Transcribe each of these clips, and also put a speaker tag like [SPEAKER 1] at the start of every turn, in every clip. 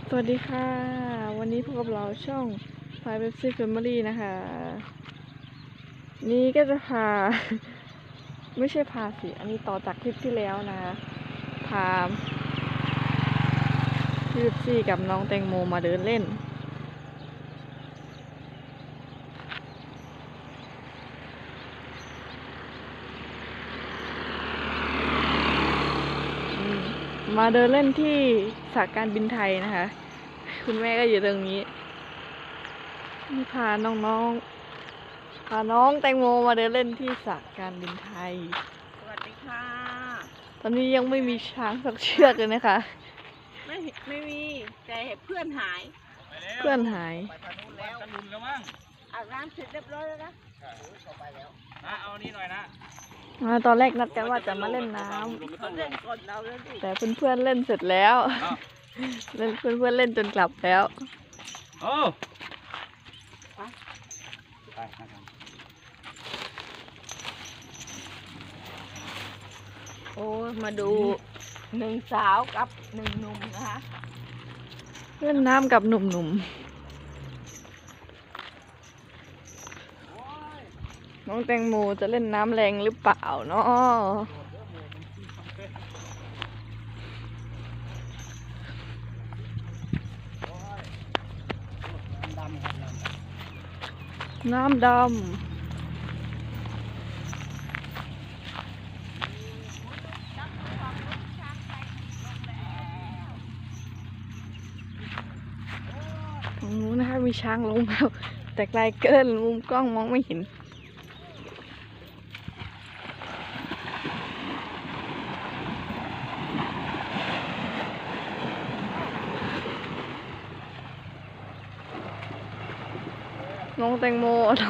[SPEAKER 1] สวัสดีค่ะวันนี้พบกับเราช่องไฟเว็บซี่แฟมิลี่นะคะนี่ก็จะพา ไม่ใช่พาสิอันนี้ต่อจากคลิปที่แล้วนะพาพี่เว็บซี่กับน้องแตงโมมาเดินเล่นมาเดินเล่นที่สาการบินไทยนะคะคุณแม่ก็อยู่ตรงนี้นี่พาน้องแตงโมมาเดินเล่นที่สาการบินไทย
[SPEAKER 2] สวัสดีค่ะ
[SPEAKER 1] ตอนนี้ยังไม่มีช้างสักเชือกเลยนะคะ
[SPEAKER 2] ไม่มีแต่เพื่อนหาย
[SPEAKER 1] เพื่อนหาย
[SPEAKER 3] ไปทางนู้นแล้วลุนแล้วมั้ง
[SPEAKER 2] อาบน้ำเสร็จเรียบร้อยแล้วนะ
[SPEAKER 3] เข้าไปแล้ว
[SPEAKER 4] นะเอานี่หน่อยนะ
[SPEAKER 1] ตอนแรกนัดกันว่าจะมาเล่นน้
[SPEAKER 2] เขาเล่นก่อนเราแล้วดิ
[SPEAKER 1] แต่เพื่อนๆเล่นเสร็จแล้วเพื่อนเล่นจนกลับแล้ว
[SPEAKER 4] โอ้ไปนะครับ
[SPEAKER 2] โอ้มาดูหนึ่งสาวกับหนึ่งหนุ่มนะคะ
[SPEAKER 1] เล่นน้ำกับหนุ่มๆน้องแตงโมจะเล่นน้ำแรงหรือเปล่าเนาะน้ำดำตรงนู้นนะคะมีช้างลงแล้วแต่ไกลเกินมุมกล้องมองไม่เห็นน้องแตงโม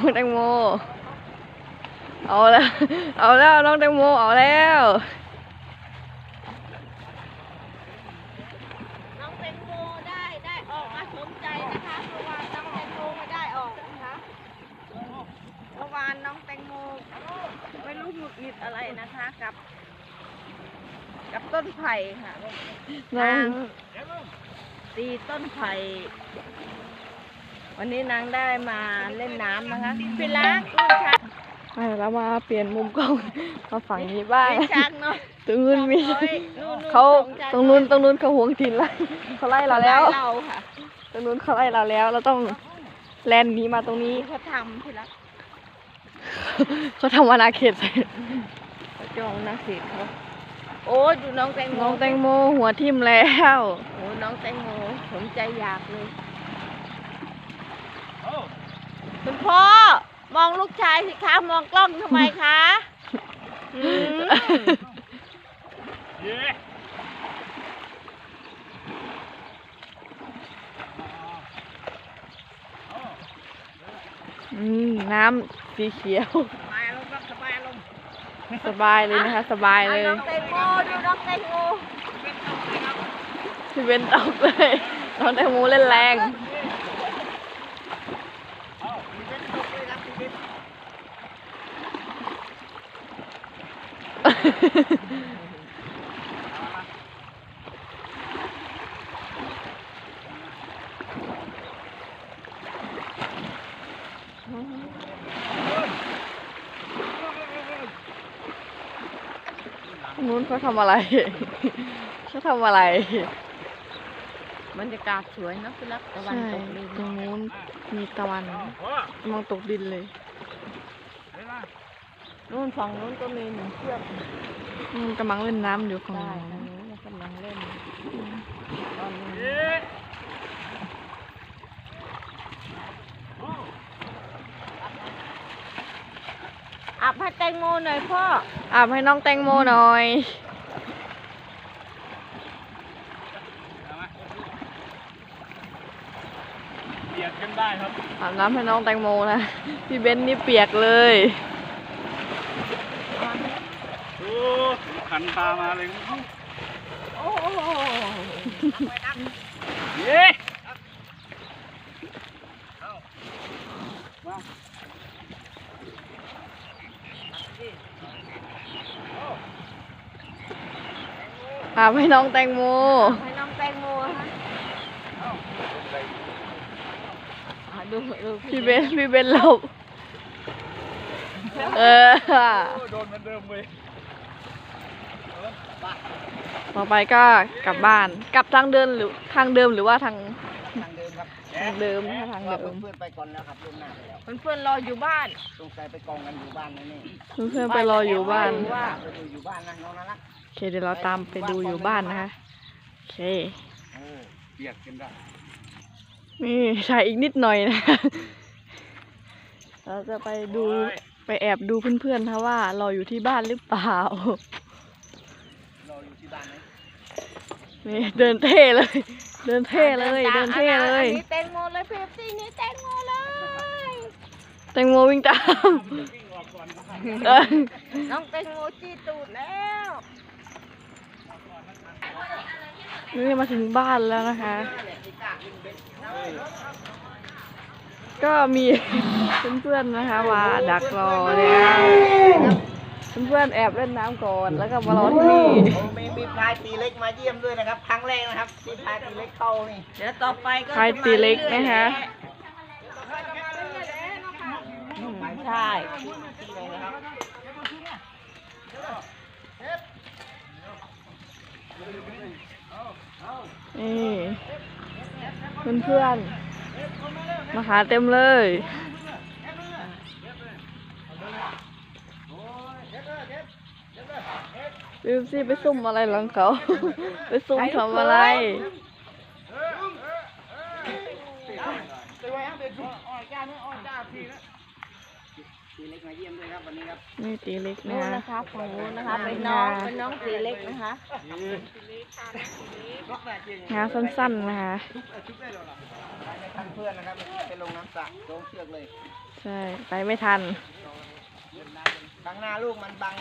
[SPEAKER 1] เอาแล้วน้องแตงโมเอาแล้ว
[SPEAKER 2] น้องแตงโมได้ออกมาสนใจนะคะเมื่อวานน้องแตงโมไม่ได้ออกนะคะเมื่อวานน้องแตงโมไม่รู้หงุดหงิดอะไรนะคะกับต้นไผ่ค่ะนางตีต้นไผ่วันนี้นางได้มาเล่นน้ำนะคะพี่ล้างลูกช้าง
[SPEAKER 1] แล้วมาเปลี่ยนมุมกล้องมาฝั่งนี้บ้าง
[SPEAKER 2] ช้างเนาะ
[SPEAKER 1] ตรงนู้นมีเขาตรงนู้นเขาหวงถิ่นไล่เขาไล่เราแล้วตรงนู้นเขาไล่เราแล้วเราต้องแลนหนีมาตรงนี้
[SPEAKER 2] เขาทำพี่ล้าง
[SPEAKER 1] เขาทำอาณาเขต
[SPEAKER 2] เขาจองอาณาเขตเขาโอ้ดูน้องแตงโม
[SPEAKER 1] หัวทิ่มแล้ว
[SPEAKER 2] โอ้น้องแตงโมสมใจอยากเลยคุณพ่อมองลูกชายสิคะมองกล้องทำไมคะ
[SPEAKER 1] น้ำสีเขียวสบายเลยนะคะสบายเลย
[SPEAKER 2] น้องแตงโมดูน้องแตงโม
[SPEAKER 1] พี่เบนตกเลยน้องแตงโมเล่นแรงนู้นเขาทำอะไร
[SPEAKER 2] บรรยากาศสวยนะพี่รักตะวันตกดิน
[SPEAKER 1] ตรงนู้นมีตะวันมองตกดินเลย
[SPEAKER 2] นู่นฝั่งนู้นก็มีหนึ่งเชือก
[SPEAKER 1] กำลังเล่นน้ำอยู่ฝั่ง
[SPEAKER 2] นู้นกำลังเล่นตอนนี้อาบให้แตงโมหน่อยพ่อ
[SPEAKER 1] อาบให้น้องแตงโมหน่อย
[SPEAKER 4] เปียกกันได้ครับ
[SPEAKER 1] อาบน้ำให้น้องแตงโมนะพี่เบนนี่เปียกเลย
[SPEAKER 4] โอ้ขันพามาเลย
[SPEAKER 2] โอ้
[SPEAKER 4] เย้
[SPEAKER 1] อาบให้น้องแตงโม
[SPEAKER 2] ให้น้องแตงโมฮะดู
[SPEAKER 1] พี่เบนหลบเออ
[SPEAKER 4] โดนเหมือนเดิมเว้ย
[SPEAKER 1] ต่อไปก็กลับบ้าน กลับทางเดินหรือทางเดิมหรือว่าทาง
[SPEAKER 3] ทางเดิมครับ
[SPEAKER 1] ทางเดิมนะคะทาง
[SPEAKER 3] ว่า
[SPEAKER 1] เดิม
[SPEAKER 3] เพื่อนๆไปก่อนแล้วครับล่วงหน้าไปแล้ว
[SPEAKER 2] เพื่อนๆรออยู่บ้าน
[SPEAKER 3] สงสัยไปกองกันอยู่บ้านนั่นนี่
[SPEAKER 1] เพื่อนๆไปรออยู่บ้าน
[SPEAKER 3] ไปดูอยู่บ้านนะน้องน่ารัก
[SPEAKER 1] โอเคเดี๋ยวเราตามไปดูอยู่บ้านนะคะ โอเค
[SPEAKER 4] โอ้เปียกกันได้
[SPEAKER 1] นี่ถ่ายอีกนิดหน่อยนะ เราจะไปดูไปแอบดูเพื่อนๆนะว่าเราอยู่ที่บ้านหรือเปล่า
[SPEAKER 3] รออยู่ที่บ้านไหม
[SPEAKER 1] นี่เดินเท่เลย เดินเท่เลย เดินเท่เลย
[SPEAKER 2] อันนี้แตงโมเลยเพียบซี่นี่แตงโมเลย
[SPEAKER 1] แตงโมวิ่งตาม เออ
[SPEAKER 2] น้องแตงโมจี้ตูดแล้ว
[SPEAKER 1] นี่มาถึงบ้านแล้วนะคะ ก็มีเพื่อนๆนะคะมาดักรอแล้วเพื่อนๆแอบเล่นน้ำก่อนแล้วก็มารอที่นี่
[SPEAKER 3] โอ้มีพลายตีเล็กมาเยี่ยมด้วยนะครับครั้งแรกนะครับที่พลายตีเล็กเข้านี่
[SPEAKER 2] เดี๋ยวต่อไปก็
[SPEAKER 1] ใครตีเล็กนะคะ
[SPEAKER 2] ใช่
[SPEAKER 3] ที่ไหนนะครับ
[SPEAKER 1] นี่เพื่อนๆมาหาเต็มเลยบิวซี่ไปซุ่มอะไรหลังเขา ไปซุ่มทำอะไร
[SPEAKER 3] ตีเล็กมาเยี่ยมด้วยครับวันนี้ครับ
[SPEAKER 1] นี่ตีเล็กนะ
[SPEAKER 2] นู่น
[SPEAKER 1] คะ
[SPEAKER 2] นะคะฝั่งนู้นนะคะเป็นน้องตีเล็กนะคะ
[SPEAKER 1] งานสั้นๆนะคะ
[SPEAKER 3] ไปไม่ทันเพื่อนนะครับไปลงน้ำสระลงเชือกเลย
[SPEAKER 1] ใช่ ไปไม่ทัน
[SPEAKER 3] ข้างหน้าลูกมันบัง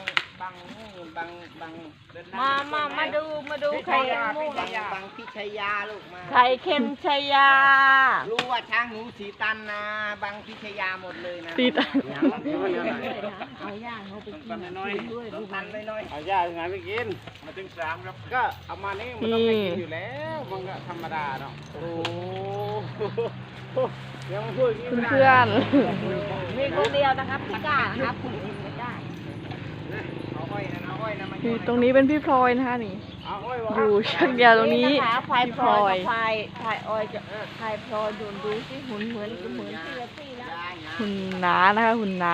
[SPEAKER 2] มาดูไข่มูก
[SPEAKER 3] บังพิชยาลูกมา
[SPEAKER 2] ไข่เค็มชัยยา
[SPEAKER 3] รู้ว่าช้างหนูสีตันนะบังพิชยาหมดเลยนะ
[SPEAKER 1] ติด
[SPEAKER 2] เอาย่างเขาไปกิน
[SPEAKER 4] น้อย
[SPEAKER 2] ด้วย
[SPEAKER 3] ลูกตันน้อย
[SPEAKER 4] เอาย่าไงไปกิน มาถึงสามครับ ก็เอามานี่มันต้องให้กินอยู่แล้ว มันก็ธรรมดาเนาะ โอ้โหยังมาพูดอย่างนี้ไม่ได้
[SPEAKER 1] เพื่อน
[SPEAKER 2] มีคนเดียวนะครับพี่ก้านะครับคุณอินไม่ได้
[SPEAKER 3] เอาอ้อยนะมา
[SPEAKER 1] ๆนี่ตรงนี้เป็นพี่พลอยนะคะนี่
[SPEAKER 4] เอาไว้วะ
[SPEAKER 1] อยู่ชักยาวตรงนี้
[SPEAKER 2] นะคะควาย
[SPEAKER 1] พี่
[SPEAKER 2] พ
[SPEAKER 1] พ
[SPEAKER 2] ล
[SPEAKER 1] ล
[SPEAKER 2] อ
[SPEAKER 1] อย ย
[SPEAKER 2] กับควายออยจะควายพลอยดูสิหุ่นเหมือนพี่ละพี่แล้ว
[SPEAKER 1] หุ่นหนานะคะหุ่นหนา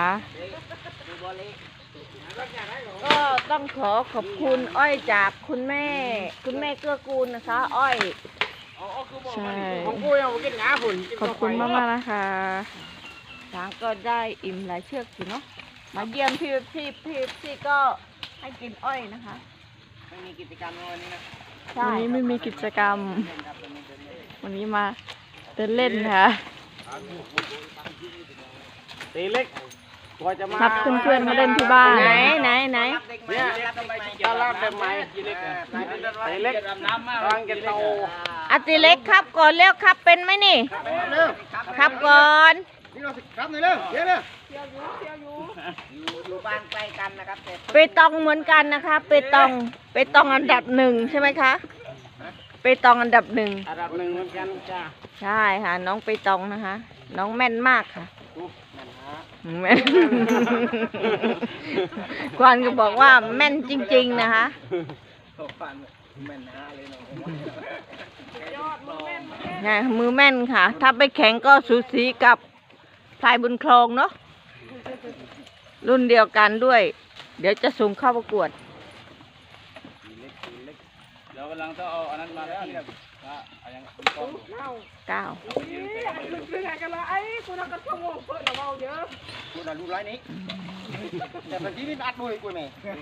[SPEAKER 2] ก็ต้องขอขอบคุณอ้อยจากคุณแม่เกื้อกูลนะคะ อ้อย
[SPEAKER 1] ใช่
[SPEAKER 4] ของกูยังไม่กินงาฝุ่น
[SPEAKER 1] ขอบคุณมากๆนะคะ
[SPEAKER 2] ช้างก็ได้อิ่มหลายเชือกอยู่เนาะมาเยี่ยมพี่ก็ให้กินอ้อยนะคะ
[SPEAKER 3] ไม่มีกิจกรรมวันนี้นะ
[SPEAKER 2] ใช่
[SPEAKER 1] วันนี้ไม่มีกิจกรรม วันนี้มาเดินเล่นค่ะ
[SPEAKER 4] ตีเล็กกว่าจะมา
[SPEAKER 1] นัดเพื่อนๆมาเล่นที่บ้าน
[SPEAKER 2] ไหน
[SPEAKER 4] เนี่ยตลาดเป็นไม้ตีเล็กตีเล็กกำลังจะโต
[SPEAKER 2] อาติเล็กครับก่อนเร็วครับเป็นไหมนี่ ครับก่อน
[SPEAKER 3] นี่เราครับหน่อยเร็วเดี๋ยวอยู่บ้านใกล้กันนะครับแต่
[SPEAKER 2] เปตองเหมือนกันนะคะเปตองอันดับหนึ่งใช่ไหมคะเปตองอันดับหนึ่ง
[SPEAKER 4] อันดับหนึ่งเหมือนกันจ้า
[SPEAKER 2] ใช่ค่ะน้องเปตองนะคะ น้องแม่นมากค่ะแม่น กวานก็บอกว่าแม่นจริงๆนะคะ
[SPEAKER 3] ฟันแม่นหาเลยเนาะ
[SPEAKER 2] เนี่ยมือแม่นค่ะ ถ้าไปแข่งก็สูสีกับพลายบุญครองเนาะรุ่นเดียวกันด้วย เดี๋ยวจะส่งเข้าประกวด
[SPEAKER 4] ตีเล็กเดี๋ยวกำลังต้องเอาอันนั้นมาแล้วเนี่ยเอายังกอง
[SPEAKER 2] 9
[SPEAKER 3] กูน่ะรู้ร้อยนี้แต่บางทีมันอัดด้วยกูแม่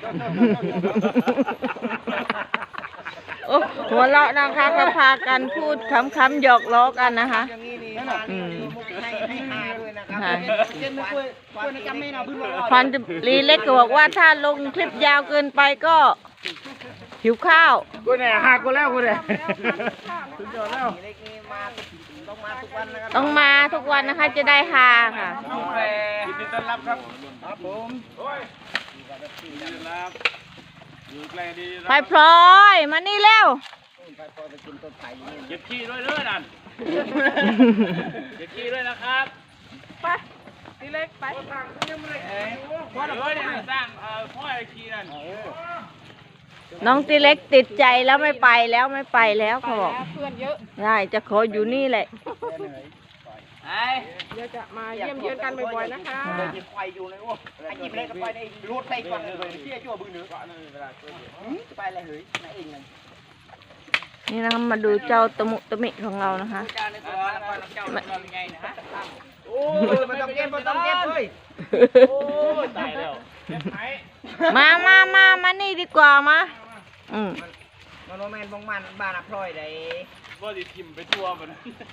[SPEAKER 2] โอ้หัวเราะนะคะก็พากันพูดคำๆหยอกล้อกันนะคะ
[SPEAKER 3] อย่างนี้นี่มานี่มุกให้หาด้วยนะครับ
[SPEAKER 2] ค่ะ
[SPEAKER 3] เช่นไม่คุยในจำไม่เอาพื้นรอ
[SPEAKER 2] พันลีเล็กก็บอกว่าถ้าลงคลิปยาวเกินไปก็หิวข้าว
[SPEAKER 4] กูเนี่ยหักกูแล้วกูเนี่ยสุดยอดแล้ว
[SPEAKER 3] เล็กนี่มาต้องมาทุกวันนะครับ
[SPEAKER 2] ต้องมาทุกวันนะคะจะได้ฮาค่ะ
[SPEAKER 4] น้องแพรยินดีต้อนรับครับครับผมโอ้ยยินดีต้อนรับอยู่ใกล้ดี
[SPEAKER 2] ไปพลอยมานี่เร็ว
[SPEAKER 4] โ
[SPEAKER 3] ไปปล่อยไปกินต้นไผ่อยู่นี่
[SPEAKER 4] เก็บขี้ด้วยเด้อนั่นเก็บขี้ด้วยนะครับ
[SPEAKER 2] ไปตีเล็กไป
[SPEAKER 4] พ่อเนี่ยสร้างพ่อไอ้ขี้นั่น
[SPEAKER 1] น้องตีเล็กติดใจแล้วไม่ไปแล้วไม่ไปแล้วเขาบอก
[SPEAKER 2] เพื่อนเยอะ
[SPEAKER 1] ได้จะขออยู่นี่แหละ
[SPEAKER 3] ไอ้
[SPEAKER 2] เดี๋ยวจะมาเยี่ยมเยือนกันบ่อยๆนะคะ
[SPEAKER 3] เดินยิงไฟอยู่เลยโอ้ไอ้ยิงเล็กก็ไปในรูดไปก่อนเลยเที่ยชั่วบึ้งเนื้อจะไปอะไรเฮ้ยนายเองเลย
[SPEAKER 1] นี่นะคะมาดูเจ้าตะมุตะมิของเรานะคะ
[SPEAKER 3] เจ้าในตัวเจ้าเป็นไงนะฮะโอ้ยมันต้องเก็บมันต้องเก็บเลย
[SPEAKER 4] โอ้ตายแล้วเก็บไหม
[SPEAKER 1] มานี่ดีกว่ามาอืม
[SPEAKER 3] มันโมเมนต์บงมันบ้านอัพลอยได้
[SPEAKER 4] ก็ดิทิมไปทั่วมัน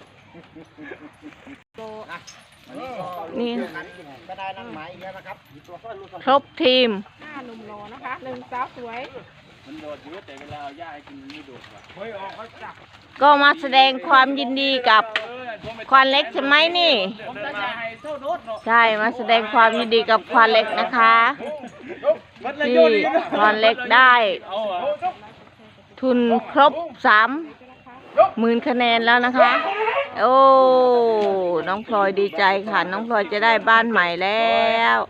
[SPEAKER 1] นี่
[SPEAKER 3] ก็ได้นั่งหมายอีกแล้วนะครับ
[SPEAKER 1] ครบทีม
[SPEAKER 2] 5 หนุ่มโลนะคะ1 สาวสวย
[SPEAKER 4] มันโดดอยู่แต่เวลาเอาหญ้าให้กินมันไม่โดดว่ะเฮ้ยออกเขาจับ
[SPEAKER 1] ก็มาแสดงความยินดีกับควานเล็กใช่ไหมนี่
[SPEAKER 4] ผมจะให้โซ่โดดเนาะ
[SPEAKER 1] ใช่มาแสดงความยินดีกับควานเล็กนะคะที่ควานเล็กได้
[SPEAKER 4] เอาเหรอ
[SPEAKER 1] ทุนครบ30,000 คะแนนแล้วนะคะ โอ้น้องพลอยดีใจค่ะ น้องพลอยจะได้บ้านใหม่แล้ว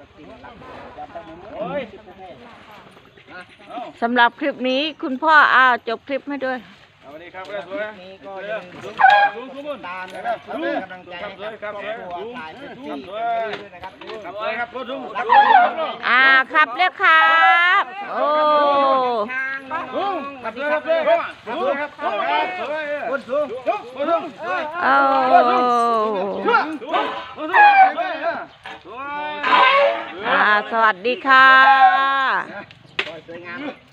[SPEAKER 1] สำหรับคลิปนี้คุณพ่อจบคลิปให้ด้วย
[SPEAKER 4] สวัสดีครับเพื่อนสวย
[SPEAKER 3] นี้ก็อย่าลืม
[SPEAKER 4] สูง
[SPEAKER 3] ตามนะครับเพื่อกำลังใจให้กับครอบครัวถ่ายเป็นที่ด้วยนะครับ
[SPEAKER 4] ครับเลยครับสูง
[SPEAKER 1] ครับเรียกครับโอ้
[SPEAKER 4] ครับเลยครับเลยครับคนสูงคนสูง
[SPEAKER 1] โอ้
[SPEAKER 4] สวย
[SPEAKER 1] สวัสดีค่ะ
[SPEAKER 3] สวยงาม